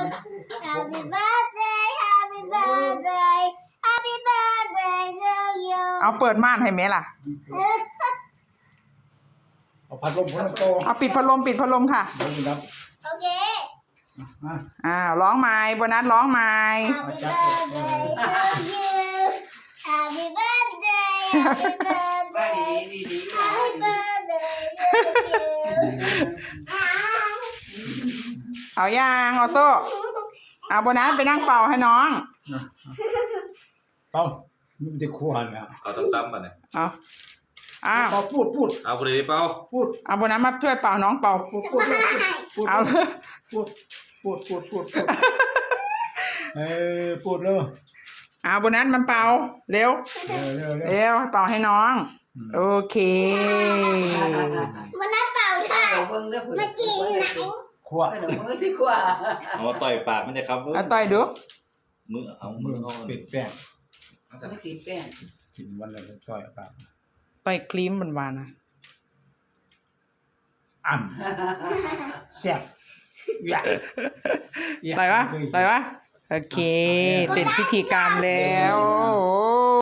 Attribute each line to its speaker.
Speaker 1: Happy birthday Happy birthday Happy birthday to you
Speaker 2: เอาเปิดม่านให้แม่ล่ะ
Speaker 3: เอาพัดลมพัดลมโต
Speaker 2: เอาปิดพัดลมค่ะ
Speaker 3: เดี๋ยวนี้ครับ
Speaker 1: โอเค
Speaker 2: ร้องไม้โบนัสร้องไม้
Speaker 1: Happy birthday to you Happy birthday Happy birthday Happy birthday to you
Speaker 2: เอายางออโต้เอาโบนัสไปนั่งเป่าให้น้อง
Speaker 3: ต้องมันจะควรนะ
Speaker 4: เอาตั้มๆมาเนี่ย
Speaker 2: เอา
Speaker 3: พูด
Speaker 4: เอาพอดีเปล่า
Speaker 2: เอาโบนัสมาช่วยเป่าน้องเป่าเอา
Speaker 3: พูดพูดเร็ว
Speaker 2: เอาโบนัสมันเป่าเร็วเป่าให้น้องโอเค
Speaker 1: มันน่าเป่าได้มาจริงไหน
Speaker 3: ขวด
Speaker 5: มือสิขวา
Speaker 4: เอามาต่อยปากมันจะครับ
Speaker 2: เอาต่อยดู
Speaker 4: มือเอา
Speaker 3: มื
Speaker 4: มื
Speaker 3: อ
Speaker 4: อเอา
Speaker 3: ปิดแป้ง
Speaker 5: ไม่ติดแป้ง
Speaker 3: กินวันละจ่อยปาก
Speaker 2: ต่อยครีมหวานๆนะ
Speaker 3: แซ่บ
Speaker 2: ต่อยวะโอเคเสร็จพิธีกรรมแล้วโอ้